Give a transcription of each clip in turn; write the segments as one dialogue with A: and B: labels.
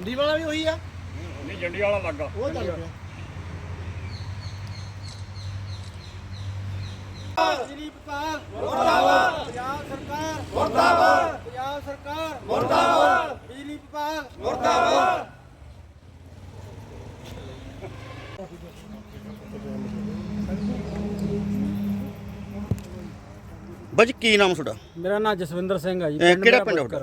A: ਜੰਡੀ ਵਾਲਾ ਵੀ ਉਹੀ ਆ?
B: ਨਹੀਂ ਜੰਡੀ ਵਾਲਾ ਲੱਗਾ
A: ਉਹ ਚੱਲ ਪਿਆ। ਬਿਜਲੀ ਵਿਭਾਗ ਮੁਰਦਾਬਾਦ, ਪੰਜਾਬ ਸਰਕਾਰ ਮੁਰਦਾਬਾਦ, ਪੰਜਾਬ ਸਰਕਾਰ ਮੁਰਦਾਬਾਦ, ਬਿਜਲੀ ਵਿਭਾਗ ਮੁਰਦਾਬਾਦ।
C: ਬਾਜੀ ਕੀ ਨਾਮ ਤੁਹਾਡਾ?
D: ਮੇਰਾ ਨਾਮ ਜਸਵਿੰਦਰ ਸਿੰਘ ਆ ਜੀ।
C: ਕਿਹੜਾ ਪਿੰਡ ਤੁਹਾਡਾ?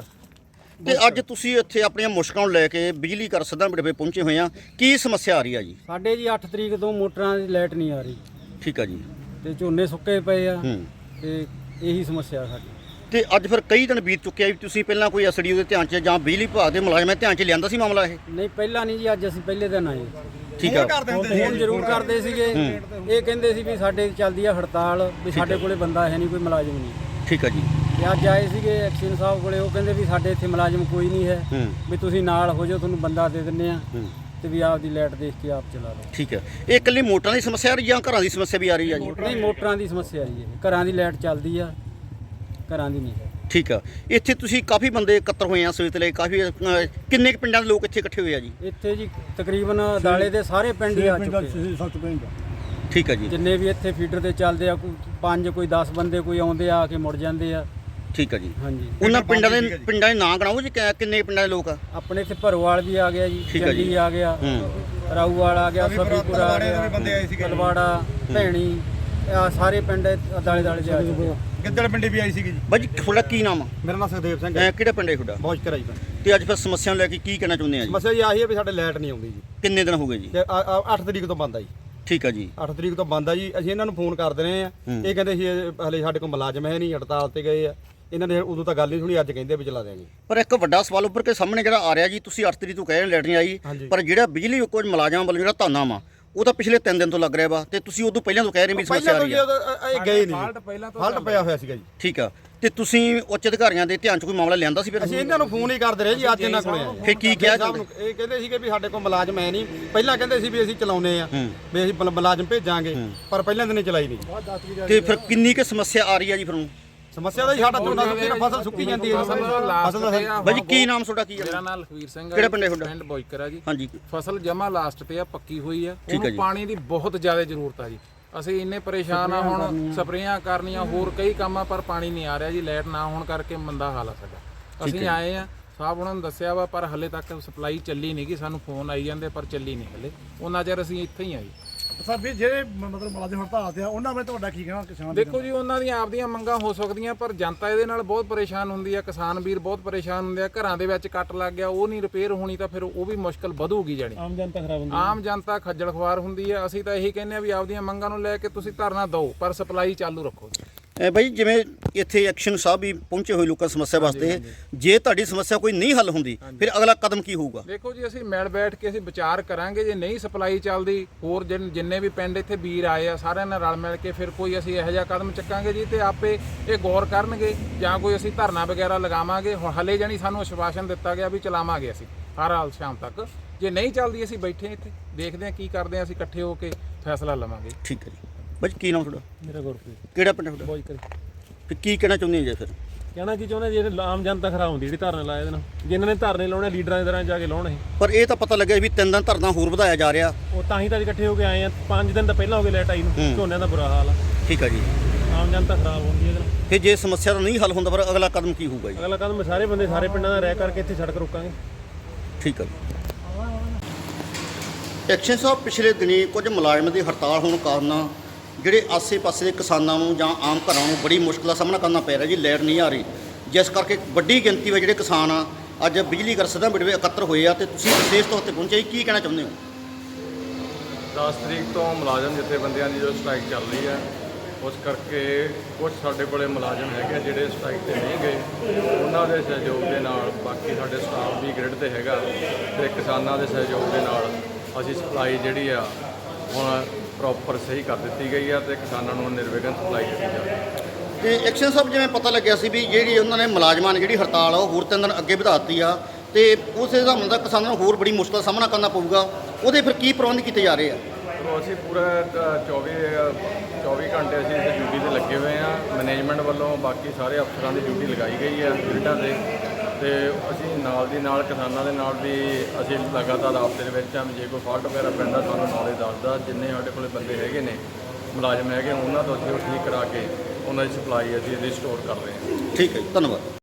C: ਤੇ ਅੱਜ ਤੁਸੀਂ ਇੱਥੇ ਆਪਣੀਆਂ ਮੁਸ਼ਕਲਾਂ ਨੂੰ ਲੈ ਕੇ ਬਿਜਲੀ ਘਰ ਸਿੱਧਾ ਬਿੜਵੇ ਪਹੁੰਚੇ ਹੋਏ ਆ, ਕੀ ਸਮੱਸਿਆ ਆ ਰਹੀ ਆ ਜੀ?
D: ਸਾਡੇ ਜੀ 8 ਤਰੀਕ ਤੋਂ ਮੋਟਰਾਂ ਦੀ ਲਾਈਟ ਨਹੀਂ ਆ ਰਹੀ
C: ਠੀਕ ਆ ਜੀ।
D: ਤੇ ਝੋਨੇ ਸੁੱਕੇ ਪਏ ਆ
C: ਹੂੰ।
D: ਤੇ ਇਹੀ ਸਮੱਸਿਆ ਸਾਡੀ।
C: ਤੇ ਅੱਜ ਫਿਰ ਕਈ ਦਿਨ ਬੀਤ ਚੁੱਕੇ ਆ, ਵੀ ਤੁਸੀਂ ਪਹਿਲਾਂ ਕੋਈ ਐਸਡੀਓ ਦੇ ਧਿਆਨ 'ਚ ਜਾਂ ਬਿਜਲੀ ਵਿਭਾਗ ਦੇ ਮੁਲਾਜ਼ਮਾਂ ਦੇ ਧਿਆਨ 'ਚ ਲਿਆਂਦਾ ਸੀ ਮਾਮਲਾ ਇਹ?
D: ਨਹੀਂ ਪਹਿਲਾਂ ਨਹੀਂ ਜੀ, ਅੱਜ ਅਸੀਂ ਪਹਿਲੇ ਦਿਨ ਆਏ।
C: ਠੀਕ ਆ।
D: ਫੋਨ ਜ਼ਰੂਰ ਕਰਦੇ ਸੀਗੇ। ਇਹ ਕਹਿੰਦੇ ਸੀ ਵੀ ਸਾਡੇ ਚੱਲਦੀ ਆ ਹੜਤਾਲ, ਵੀ ਸਾਡੇ ਕੋਲੇ ਬੰਦਾ ਹੈ ਨਹੀਂ, ਕੋਈ ਮੁਲਾਜ਼ਮ ਨਹੀਂ।
C: ਠੀਕ ਆ ਜੀ।
D: ਤੇ ਅੱਜ ਆਏ ਸੀਗੇ ਐਕਸ਼ਨ ਸਾਹਿਬ ਕੋਲੇ, ਉਹ ਕਹਿੰਦੇ ਵੀ ਸਾਡੇ ਇੱਥੇ ਮੁਲਾਜ਼ਮ ਕੋਈ ਨਹੀਂ ਹੈ, ਵੀ ਤੁਸੀਂ ਨਾਲ ਹੋ ਜਾਓ, ਤੁਹਾਨੂੰ ਬੰਦਾ ਦੇ ਦਿੰਦੇ ਆ ਤੇ ਵੀ ਆਪਦੀ ਲਾਈਟ ਦੇਖ ਕੇ ਆਪ ਚਲਾ ਲਓ।
C: ਠੀਕ ਆ। ਇਹ ਇਕੱਲੀ ਮੋਟਰਾਂ ਦੀ ਸਮੱਸਿਆ ਆ ਰਹੀ ਜਾਂ ਘਰਾਂ ਦੀ ਸਮੱਸਿਆ ਵੀ ਆ ਰਹੀ ਆ ਜੀ?
D: ਨਹੀਂ, ਮੋਟਰਾਂ ਦੀ ਸਮੱਸਿਆ ਜੀ ਇਹ। ਘਰਾਂ ਦੀ ਲਾਈਟ ਚੱਲਦੀ ਆ, ਘਰਾਂ ਦੀ ਨਹੀਂ ਹੈ।
C: ਠੀਕ ਆ। ਇੱਥੇ ਤੁਸੀਂ ਕਾਫੀ ਬੰਦੇ ਇਕੱਤਰ ਹੋਏ ਆ ਸਵੇਤ ਲਈ, ਕਾਫੀ ਕਿੰਨੇ ਕੁ ਪਿੰਡਾਂ ਦੇ ਲੋਕ ਇੱਥੇ ਇਕੱਠੇ ਹੋਏ ਆ ਜੀ?
D: ਇੱਥੇ ਜੀ ਤਕਰੀਬਨ ਦਾਲੇ ਦੇ ਸਾਰੇ ਪਿੰਡ ਹੀ ਆ ਚੁੱਕੇ।
C: ਠੀਕ ਆ ਜੀ।
D: ਜਿੰਨੇ ਵੀ ਇੱਥੇ ਫੀਡਰ ਤੇ ਚੱਲਦੇ ਆ, ਕੋਈ 5 ਕੋਈ 10 ਬੰਦੇ ਕੋਈ ਆਉਂਦੇ ਆ ਕੇ ਮੁੜ ਜਾਂਦੇ ਆ।
C: ਠੀਕ ਆ ਜੀ।
D: ਹਾਂਜੀ।
C: ਉਹਨਾਂ ਪਿੰਡਾਂ ਦੇ ਨਾਂ ਗਣਾਓ ਜੀ, ਕਿੰਨੇ ਪਿੰਡਾਂ ਦੇ ਲੋਕ ਆ?
D: ਆਪਣੇ ਇੱਥੇ ਭਰੋਵਾਲ ਵੀ ਆ ਗਿਆ ਜੀ,
C: ਠੀਕ ਆ ਜੀ।
D: ਜੱਲੀ ਆ ਗਿਆ, ਰਾਊਵਾਲ ਆ ਗਿਆ, ਸਭੀਪੁਰਾ ਆ ਗਿਆ, ਤਲਵਾੜਾ, ਭੈਣੀ, ਆ ਸਾਰੇ ਪਿੰਡ ਦਾਲੇ ਦਾਲੇ ਦੇ ਆ ਚੁੱਕੇ ਆ।
A: ਗਿੱਦੜ ਪਿੰਡੀ ਵੀ ਆਈ ਸੀਗੀ ਜੀ।
C: ਬਾਜੀ ਤੁਹਾਡਾ ਕੀ ਨਾਮ ਆ?
A: ਮੇਰਾ ਨਾਮ ਸੁਖਦੇਵ ਸਿੰਘ ਹੈ।
C: ਕਿਹੜਾ ਪਿੰਡ ਹੈ ਤੁਹਾਡਾ?
A: ਬੌਸ਼ਕਰ ਜੀ।
C: ਤੇ ਅੱਜ ਫਿਰ ਸਮੱਸਿਆ ਨੂੰ ਲੈ ਕੇ ਕੀ ਕਹਿਣਾ ਚਾਹੁੰਦੇ ਆ ਜੀ?
A: ਸਮੱਸਿਆ ਜੀ ਆਹੀ ਹੈ ਵੀ ਸਾਡੇ ਲਾਈਟ ਨਹੀਂ ਆਉਂਦੀ ਜੀ।
C: ਕਿੰਨੇ ਦਿਨ ਹੋ ਗਏ ਜੀ?
A: ਤੇ 8 ਤਰੀਕ ਤੋਂ ਬੰਦ ਆ ਜੀ।
C: ਠੀਕ ਆ ਜੀ।
A: 8 ਤਰੀਕ ਤੋਂ ਬੰਦ ਆ ਜੀ। ਅਸੀਂ ਇਹਨਾਂ ਨੂੰ ਫੋਨ ਕਰਦੇ ਰਹੇ ਆ, ਇਹ ਕਹਿੰਦੇ ਸੀ ਹਲੇ ਸਾਡੇ ਕੋਲ ਮੁਲਾਜ਼ਮ ਹੈ ਨਹੀਂ, ਹੜਤਾਲ ਤੇ ਗਏ ਆ। ਇਹਨਾਂ ਨੇ ਉਦੋਂ ਤਾਂ ਗੱਲ ਨਹੀਂ ਸੁਣੀ, ਅੱਜ ਕਹਿੰਦੇ ਵੀ ਚਲਾ ਦਿਆਂਗੇ।
C: ਪਰ ਇੱਕ ਵੱਡਾ ਸਵਾਲ ਉੱਪਰ ਕੇ ਸਾਹਮਣੇ ਜਿਹੜਾ ਆ ਰਿਹਾ ਜੀ, ਤੁਸੀਂ 8 ਤਰੀਕ ਤੋਂ ਕਹਿ ਰਹੇ ਲਾਈਟ ਨਹੀਂ ਆਈ, ਪਰ ਜਿਹੜਾ ਬਿਜਲੀ ਕੁਝ ਮੁਲਾਜ਼ਮਾਂ ਵੱਲੋਂ ਜਿਹੜਾ ਧਰਨਾ ਵਾ ਉਹ ਤਾਂ ਪਿਛਲੇ 3 ਦਿਨ ਤੋਂ ਲੱਗ ਰਿਹਾ ਵਾ, ਤੇ ਤੁਸੀਂ ਉਦੋਂ ਪਹਿਲਾਂ ਤੋਂ ਕਹਿ ਰਹੇ ਵੀ ਸਮੱਸਿਆ ਆ ਰਹੀ ਹੈ।
A: ਇਹ ਗਏ ਨਹੀਂ, ਫਾਲਟ ਪਿਆ ਹੋਇਆ ਸੀਗਾ ਜੀ।
C: ਠੀਕ ਆ। ਤੇ ਤੁਸੀਂ ਉੱਚ ਅਧਿਕਾਰੀਆਂ ਦੇ ਧਿਆਨ 'ਚ ਕੋਈ ਮਾਮਲਾ ਲਿਆਂਦਾ ਸੀ ਫਿਰ?
A: ਅਸੀਂ ਇਹਨਾਂ ਨੂੰ ਫੋਨ ਹੀ ਕਰਦੇ ਰਹੇ ਜੀ, ਅੱਜ ਇਹਨਾਂ ਕੋਲੇ ਆਏ।
C: ਫਿਰ ਕੀ ਕਿਹਾ?
A: ਇਹ ਕਹਿੰਦੇ ਸੀਗੇ ਵੀ ਸਾਡੇ ਕੋਲ ਮੁਲਾਜ਼ਮ ਹੈ ਨਹੀਂ। ਪਹਿਲਾਂ ਕਹਿੰਦੇ ਸੀ ਵੀ ਅਸੀਂ ਚਲਾਉਨੇ ਆ, ਵੀ ਅਸੀਂ ਮੁਲਾਜ਼ਮ ਭੇਜਾਂਗੇ, ਪਰ ਪਹਿਲਾਂ ਦਿਨ ਚਲਾਈ ਨਹੀਂ।
C: ਤੇ ਫਿਰ ਕਿੰਨੀ ਕੁ ਸਮੱਸਿਆ ਆ ਰਹੀ ਆ ਜੀ ਫਿਰ?
A: ਸਮੱਸਿਆ ਤਾਂ ਸਾਡਾ ਝੋਨਾ ਸੁੱਕੀ, ਫਸਲ ਸੁੱਕੀ ਜਾਂਦੀ ਹੈ।
C: ਬਾਜੀ ਕੀ ਨਾਮ ਤੁਹਾਡਾ? ਕੀ
E: ਮੇਰਾ ਨਾਮ ਲਖਵੀਰ ਸਿੰਘ ਹੈ।
C: ਕਿਹੜਾ ਪਿੰਡ ਹੈ ਤੁਹਾਡਾ?
E: ਪਿੰਡ ਬੋਇਕਰ ਆ ਜੀ।
C: ਹਾਂਜੀ।
E: ਫਸਲ ਜਮਾ ਲਾਸਟ ਤੇ ਆ, ਪੱਕੀ ਹੋਈ ਆ।
C: ਠੀਕ ਹੈ
E: ਉਹਨੂੰ
C: ਜੀ।
E: ਪਾਣੀ ਦੀ ਬਹੁਤ ਜ਼ਿਆਦਾ ਜ਼ਰੂਰਤ ਆ ਜੀ। ਅਸੀਂ ਇੰਨੇ ਪਰੇਸ਼ਾਨ ਆ, ਹੁਣ ਸਪਰੇਆਂ ਕਰਨੀਆਂ, ਹੋਰ ਕਈ ਕੰਮ ਆ, ਪਰ ਪਾਣੀ ਨਹੀਂ ਆ ਰਿਹਾ ਜੀ। ਲਾਈਟ ਨਾ ਹੋਣ ਕਰਕੇ ਮੰਦਾ ਹਾਲ ਆ ਸਾਡਾ। ਅਸੀਂ ਆਏ ਆ, ਸਾਹਿਬ ਉਹਨਾਂ ਨੂੰ ਦੱਸਿਆ ਵਾ, ਪਰ ਹਲੇ ਤੱਕ ਸਪਲਾਈ ਚੱਲੀ ਨਹੀਂ ਗੀ। ਸਾਨੂੰ ਫੋਨ ਆਈ ਜਾਂਦੇ ਪਰ ਚੱਲੀ ਨਹੀਂ ਹਲੇ। ਉਹਨਾਂ ਚਿਰ ਅਸੀਂ ਇੱਥੇ ਹੀ ਆ ਜੀ।
F: ਸਰ ਵੀ ਜਿਹੜੇ ਮਤਲਬ ਮੁਲਾਜ਼ਮ ਹੜਤਾਲ ਤੇ ਆ, ਉਹਨਾਂ ਬਾਰੇ ਤੁਹਾਡਾ ਕੀ ਕਹਿਣਾ? ਕਿਸਾਨ
E: ਦੇਖੋ ਜੀ, ਉਹਨਾਂ ਦੀਆਂ ਆਪਦੀਆਂ ਮੰਗਾਂ ਹੋ ਸਕਦੀਆਂ, ਪਰ ਜਨਤਾ ਇਹਦੇ ਨਾਲ ਬਹੁਤ ਪਰੇਸ਼ਾਨ ਹੁੰਦੀ ਆ। ਕਿਸਾਨ ਵੀਰ ਬਹੁਤ ਪਰੇਸ਼ਾਨ ਹੁੰਦੇ ਆ। ਘਰਾਂ ਦੇ ਵਿੱਚ ਕੱਟ ਲੱਗ ਗਿਆ, ਉਹ ਨਹੀਂ ਰਿਪੇਅਰ ਹੋਣੀ, ਤਾਂ ਫਿਰ ਉਹ ਵੀ ਮੁਸ਼ਕਲ ਵਧੂਗੀ। ਜਾਣੀ
D: ਆਮ ਜਨਤਾ ਖਰਾਬ ਹੁੰਦੀ,
E: ਆਮ ਜਨਤਾ ਖੱਜਲ ਖਵਾਰ ਹੁੰਦੀ ਆ। ਅਸੀਂ ਤਾਂ ਇਹੀ ਕਹਿੰਦੇ ਆ ਵੀ ਆਪਦੀਆਂ ਮੰਗਾਂ ਨੂੰ ਲੈ ਕੇ ਤੁਸੀਂ ਧਰਨਾ ਦਿਓ, ਪਰ ਸਪਲਾਈ ਚਾਲੂ ਰੱਖੋ।
C: ਬਾਈ ਜਿਵੇਂ ਇੱਥੇ ਐਕਸ਼ਨ ਸਾਹਿਬ ਵੀ ਪਹੁੰਚੇ ਹੋਏ ਲੋਕਾਂ ਸਮੱਸਿਆ ਵਾਸਤੇ, ਜੇ ਤੁਹਾਡੀ ਸਮੱਸਿਆ ਕੋਈ ਨਹੀਂ ਹੱਲ ਹੁੰਦੀ ਫਿਰ ਅਗਲਾ ਕਦਮ ਕੀ ਹੋਊਗਾ?
E: ਦੇਖੋ ਜੀ, ਅਸੀਂ ਮਿਲ ਬੈਠ ਕੇ ਅਸੀਂ ਵਿਚਾਰ ਕਰਾਂਗੇ। ਜੇ ਨਹੀਂ ਸਪਲਾਈ ਚੱਲਦੀ, ਹੋਰ ਜਿੰਨੇ ਵੀ ਪਿੰਡ ਇੱਥੇ ਵੀਰ ਆਏ ਆ, ਸਾਰਿਆਂ ਨਾਲ ਰਲ ਮਿਲ ਕੇ ਫਿਰ ਕੋਈ ਅਸੀਂ ਇਹੋ ਜਿਹਾ ਕਦਮ ਚੱਕਾਂਗੇ ਜੀ, ਤੇ ਆਪੇ ਇਹ ਗੌਰ ਕਰਨਗੇ, ਜਾਂ ਕੋਈ ਅਸੀਂ ਧਰਨਾ ਵਗੈਰਾ ਲਗਾਵਾਂਗੇ। ਹਲੇ ਜਾਣੀ ਸਾਨੂੰ ਆਸ਼ਵਾਸਨ ਦਿੱਤਾ ਗਿਆ ਵੀ ਚਲਾਵਾਂਗੇ ਅਸੀਂ ਹਰ ਹਾਲ ਸ਼ਾਮ ਤੱਕ। ਜੇ ਨਹੀਂ ਚੱਲਦੀ, ਅਸੀਂ ਬੈਠੇ ਇੱਥੇ ਦੇਖਦੇ ਹਾਂ ਕੀ ਕਰਦੇ ਹਾਂ, ਅਸੀਂ ਇਕੱਠੇ ਹੋ ਕੇ ਫੈਸਲਾ ਲਵਾਂਗੇ।
C: ਠੀਕ ਹੈ ਜੀ। ਬਾਜੀ ਕੀ ਨਾਮ ਤੁਹਾਡਾ?
D: ਮੇਰਾ ਗੁਰਪ੍ਰੀਤ।
C: ਕਿਹੜਾ ਪਿੰਡ ਤੁਹਾਡਾ?
D: ਬੋਇਕਰ।
C: ਫਿਰ ਕੀ ਕਹਿਣਾ ਚਾਹੁੰਦੇ ਜੀ ਫਿਰ?
D: ਕਹਿਣਾ ਕੀ ਚਾਹੁੰਦੇ, ਜਿਹੜੇ ਆਮ ਜਨਤਾ ਖਰਾਬ ਹੁੰਦੀ ਜਿਹੜੀ ਧਰਨੇ ਲਾਏ ਦੇਣ, ਜਿਨ੍ਹਾਂ ਨੇ ਧਰਨੇ ਲਾਉਣੇ ਲੀਡਰਾਂ ਦੇ ਤਰ੍ਹਾਂ ਜਾ ਕੇ ਲਾਉਣ।
C: ਪਰ ਇਹ ਤਾਂ ਪਤਾ ਲੱਗਿਆ ਵੀ 3 ਦਿਨ ਧਰਨਾ ਹੋਰ ਵਧਾਇਆ ਜਾ ਰਿਹਾ।
D: ਉਹ ਤਾਂ ਹੀ ਤਾਂ ਇਕੱਠੇ ਹੋ ਕੇ ਆਏ ਆ। 5 ਦਿਨ ਤਾਂ ਪਹਿਲਾਂ ਹੋ ਗਏ ਲਾਈਟ ਆਈ ਨੂੰ, ਝੋਨਿਆਂ ਦਾ ਬੁਰਾ ਹਾਲ ਆ।
C: ਠੀਕ ਆ ਜੀ।
D: ਆਮ ਜਨਤਾ ਖਰਾਬ ਹੁੰਦੀ ਇਹਦੇ ਨਾਲ।
C: ਫਿਰ ਜੇ ਸਮੱਸਿਆ ਦਾ ਨਹੀਂ ਹੱਲ ਹੁੰਦਾ, ਫਿਰ ਅਗਲਾ ਕਦਮ ਕੀ ਹੋਊਗਾ ਜੀ?
D: ਅਗਲਾ ਕਦਮ ਸਾਰੇ ਬੰਦੇ, ਸਾਰੇ ਪਿੰਡਾਂ ਦਾ ਰਹਿ ਕਰਕੇ ਇੱਥੇ ਸੜਕ ਰੋਕਾਂਗੇ।
C: ਠੀਕ ਆ ਜੀ। ਐਕਸ਼ਨ ਸਾਹਿਬ, ਪਿਛਲੇ ਦਿਨੀ ਕੁਝ ਮੁਲਾਜ਼ਮਾਂ ਦੀ ਹੜਤਾਲ ਹੋਣ ਕਾਰਨ ਜਿਹੜੇ ਆਸੇ-ਪਾਸੇ ਦੇ ਕਿਸਾਨਾਂ ਨੂੰ ਜਾਂ ਆਮ ਘਰਾਂ ਨੂੰ ਬੜੀ ਮੁਸ਼ਕਲ ਦਾ ਸਾਹਮਣਾ ਕਰਨਾ ਪੈ ਰਿਹਾ ਜੀ। ਲਾਈਟ ਨਹੀਂ ਆ ਰਹੀ, ਜਿਸ ਕਰਕੇ ਵੱਡੀ ਗਿਣਤੀ ਵਿੱਚ ਜਿਹੜੇ ਕਿਸਾਨ ਆ ਅੱਜ ਬਿਜਲੀ ਘਰ ਸਿੱਧਾ ਬਿੜਵੇ ਇਕੱਤਰ ਹੋਏ ਆ, ਤੇ ਤੁਸੀਂ ਵਿਸ਼ੇਸ਼ ਤੌਰ ਤੇ ਪਹੁੰਚੇ, ਕੀ ਕਹਿਣਾ ਚਾਹੁੰਦੇ ਹੋ?
B: 10 ਤਰੀਕ ਤੋਂ ਮੁਲਾਜ਼ਮ ਜਥੇਬੰਦੀਆਂ ਦੀ ਜੋ ਸਟ੍ਰਾਈਕ ਚੱਲ ਰਹੀ ਹੈ, ਉਸ ਕਰਕੇ ਕੁਝ ਸਾਡੇ ਕੋਲੇ ਮੁਲਾਜ਼ਮ ਹੈਗੇ ਜਿਹੜੇ ਸਟ੍ਰਾਈਕ ਤੇ ਨਹੀਂ ਗਏ। ਉਹਨਾਂ ਦੇ ਸਹਿਯੋਗ ਦੇ ਨਾਲ, ਬਾਕੀ ਸਾਡੇ ਸਟਾਫ ਵੀ ਗ੍ਰਿਡ ਤੇ ਹੈਗਾ, ਤੇ ਕਿਸਾਨਾਂ ਦੇ ਸਹਿਯੋਗ ਦੇ ਨਾਲ ਅਸੀਂ ਸਪਲਾਈ ਜਿਹੜੀ ਆ ਹੁਣ ਪ੍ਰੋਪਰ ਸਹੀ ਕਰ ਦਿੱਤੀ ਗਈ ਆ, ਤੇ ਕਿਸਾਨਾਂ ਨੂੰ ਨਿਰਵਿਘਨ ਸਪਲਾਈ ਦਿੱਤੀ ਜਾ ਰਹੀ ਹੈ।
C: ਤੇ ਐਕਸ਼ਨ ਸਾਹਿਬ, ਜਿਵੇਂ ਪਤਾ ਲੱਗਿਆ ਸੀ ਵੀ ਜਿਹੜੀ ਉਹਨਾਂ ਨੇ ਮੁਲਾਜ਼ਮਾਂ ਨੇ ਜਿਹੜੀ ਹੜਤਾਲ ਆ ਉਹ ਹੋਰ 3 ਦਿਨ ਅੱਗੇ ਵਧਾ ਦਿੱਤੀ ਆ, ਤੇ ਉਸੇ ਹਿਸਾਬ ਨਾਲ ਕਿਸਾਨਾਂ ਨੂੰ ਹੋਰ ਬੜੀ ਮੁਸ਼ਕਲ ਦਾ ਸਾਹਮਣਾ ਕਰਨਾ ਪਊਗਾ। ਉਹਦੇ ਫਿਰ ਕੀ ਪ੍ਰਬੰਧ ਕੀਤੇ ਜਾ ਰਹੇ ਆ?
B: ਅਸੀਂ ਪੂਰਾ 24 ਘੰਟੇ ਅਸੀਂ ਇਸ ਡਿਊਟੀ ਤੇ ਲੱਗੇ ਹੋਏ ਆ। ਮੈਨੇਜਮੈਂਟ ਵੱਲੋਂ ਬਾਕੀ ਸਾਰੇ ਅਫਸਰਾਂ ਦੀ ਡਿਊਟੀ ਲਗਾਈ ਗਈ ਹੈ ਗ੍ਰਿਡਾਂ ਤੇ ਤੇ ਅਸੀਂ ਨਾਲ ਦੀ ਨਾਲ ਕਿਸਾਨਾਂ ਦੇ ਨਾਲ ਵੀ ਅਸੀਂ ਲਗਾਤਾਰ ਰਾਬਤੇ ਦੇ ਵਿੱਚ ਹਾਂ। ਜੇ ਕੋਈ ਫਾਲਟ ਵਗੈਰਾ ਪੈਂਦਾ ਸਾਨੂੰ ਨੌਲੇਜ ਦੱਸਦਾ। ਜਿੰਨੇ ਸਾਡੇ ਕੋਲ ਬੰਦੇ ਹੈਗੇ ਨੇ ਮੁਲਾਜ਼ਮ ਹੈਗੇ ਉਹਨਾਂ ਤੋਂ ਅਸੀਂ ਉਹ ਠੀਕ ਕਰਾ ਕੇ ਉਹਨਾਂ ਦੀ ਸਪਲਾਈ ਅਸੀਂ ਰਿਸਟੋਰ ਕਰ ਰਹੇ ਹਾਂ।
C: ਠੀਕ ਹੈ ਜੀ, ਧੰਨਵਾਦ।